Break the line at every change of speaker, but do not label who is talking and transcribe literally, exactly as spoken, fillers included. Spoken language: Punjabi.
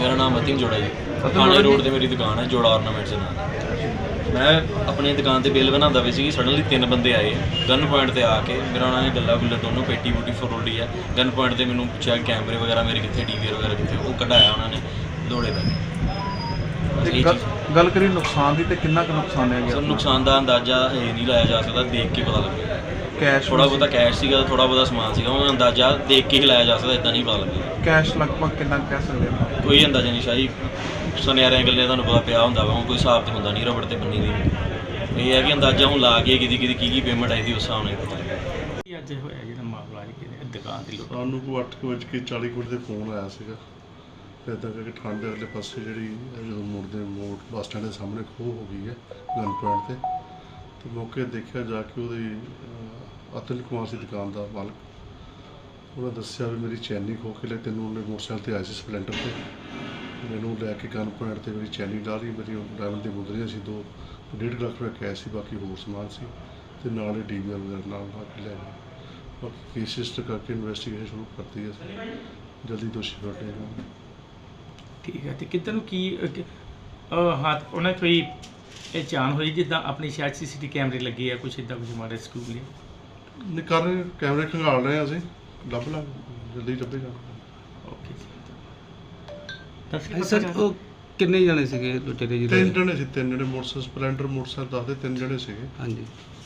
मेरा नाम अतिन जोड़ा जी, थाने रोड ते मेरी दुकान है जोड़ा ऑर्नामेंट्स दे नाल। मैं अपनी दुकान ते बिल बनांदा पई सी, सडनली तीन बंदे आए गन पॉइंट ते आके मेरा उन्होंने गल्ला गुल्ला दोनों पेटी पूटी फरोली है। गन पॉइंट ते मैनूं पुछया कैमरे वगैरह मेरे कितने, टी वी वगैरह कितने, वो कढ़ाया उन्होंने दौड़े पै।
गल करिए नुकसान की तो कितना कुछ नुकसान है?
सर नुकसान का अंदाजा ये नहीं लाया जा सकता, देख के पता लगेगा।
कैश
थोड़ा बहुता कैश सीगा, थोड़ा बहुता समान सीगा, वो अंदाजा देख के ही लाया जा सकता, इतना नहीं पता लगेगा।
कैश लगभग कितना कह सकते हैं?
कोई अंदाजा नहीं शाही, सुनियारियां गल्लें तुहानूं पता पिया हुंदा वा, कोई हिसाब तो हुंदा नहीं रबड़ ते बन्नी दी। ये है कि अंदाजा हुण ला के किहदी किहदी की की पेमेंट आई दी उस हिसाब नाल पता लगेगा।
ਅੱਜ ਹੋਇਆ ਜਿਹੜਾ ਮਾਮਲਾ ਹੈ ਕਿ ਦੁਕਾਨ ਦੀ ਲੁੱਟ
ਸਾਨੂੰ ਕੋਈ ਅੱਠ ਕੁ ਵੱਜ ਕੇ ਚਾਲੀ ਮਿੰਟ ਦੇ ਫੋਨ ਆਇਆ ਸੀਗਾ ਤੇ ਇੱਦਾਂ ਕਰਕੇ ਠੰਡ ਦੇ ਅਗਲੇ ਪਾਸੇ ਜਿਹੜੀ ਜਦੋਂ ਮੁੜਦੇ ਮੋੜ ਬੱਸ ਸਟੈਂਡ ਦੇ ਸਾਹਮਣੇ ਖੋਹ ਹੋ ਗਈ ਹੈ ਗਨ ਪੁਆਇੰਟ 'ਤੇ ਤੇ ਮੌਕੇ ਦੇਖਿਆ ਜਾ ਕੇ ਉਹਦੀ ਅਤੁਲ ਕੁਮਾਰ ਸੀ ਦੁਕਾਨ ਦਾ ਮਾਲਕ, ਉਹਨੇ ਦੱਸਿਆ ਵੀ ਮੇਰੀ ਚੈਨੀ ਖੋਹ ਕੇ ਲੈ ਤੈਨੂੰ ਉਹਨੇ ਮੋਟਰਸਾਈਕਲ 'ਤੇ ਆਏ ਸੀ ਸਪਲੈਂਡਰ 'ਤੇ, ਮੈਨੂੰ ਲੈ ਕੇ ਗਨ ਪੁਆਇੰਟ 'ਤੇ ਮੇਰੀ ਚੈਨੀ ਲਾ ਲਈ, ਮੇਰੀ ਡਰਾਈਵਰ ਦੀ ਮੁੰਦਰੀਆਂ ਸੀ, ਦੋ ਡੇਢ ਲੱਖ ਰੁਪਏ ਕੈਸ਼ ਸੀ, ਬਾਕੀ ਹੋਰ ਸਮਾਨ ਸੀ ਤੇ ਨਾਲ ਹੀ ਡੀ ਵੀ ਆਰ ਵਗੈਰਾ ਨਾਲ ਲਾ ਕੇ ਲੈ ਗਏ। ਬਾਕੀ ਕੇਸ ਰਜਿਸਟਰ ਕਰਕੇ ਇਨਵੈਸਟੀਗੇਸ਼ਨ ਸ਼ੁਰੂ ਕਰਤੀ ਹੈ, ਅਸੀਂ ਜਲਦੀ ਦੋਸ਼ੀ ਫੜ ਲਏ।
ਠੀਕ ਹੈ, ਤੇ ਕਿੱਧਰ ਨੂੰ ਕੀ ਹੱਥ ਉਹਨਾਂ ਕੋਈ ਇਹ ਚਾਨ ਹੋਈ ਜਿੱਦਾਂ ਆਪਣੀ ਸ਼ਾਇਦ ਸੀ ਸੀ ਟੀ ਕੈਮਰੇ ਲੱਗੇ ਆ, ਕੁਛ ਇੱਦਾਂ ਕੁਛ ਮਾਰੇ ਸਕੂਲ ਲਈ
ਨਹੀਂ ਕਰ ਰਹੇ, ਕੈਮਰੇ ਖੰਗਾਲ ਰਹੇ ਹਾਂ ਅਸੀਂ, ਲੱਭ ਲਾਂ ਜਲਦੀ ਲੱਭੇ ਜਾਣ।
ਓਕੇ
ਹਾਂਜੀ ਸਰ, ਉਹ ਕਿੰਨੇ ਜਣੇ ਸੀਗੇ ਲੁਟੇਰੇ ਜੀ?
ਤਿੰਨ ਜਣੇ ਸੀ, ਤਿੰਨ ਜਣੇ ਮੋਟਰਸਾਈਕਲ ਸਪਲੈਂਡਰ ਮੋਟਰਸਾਈਕਲ ਦੱਸਦੇ ਤਿੰਨ ਜਣੇ ਸੀਗੇ।
ਹਾਂਜੀ।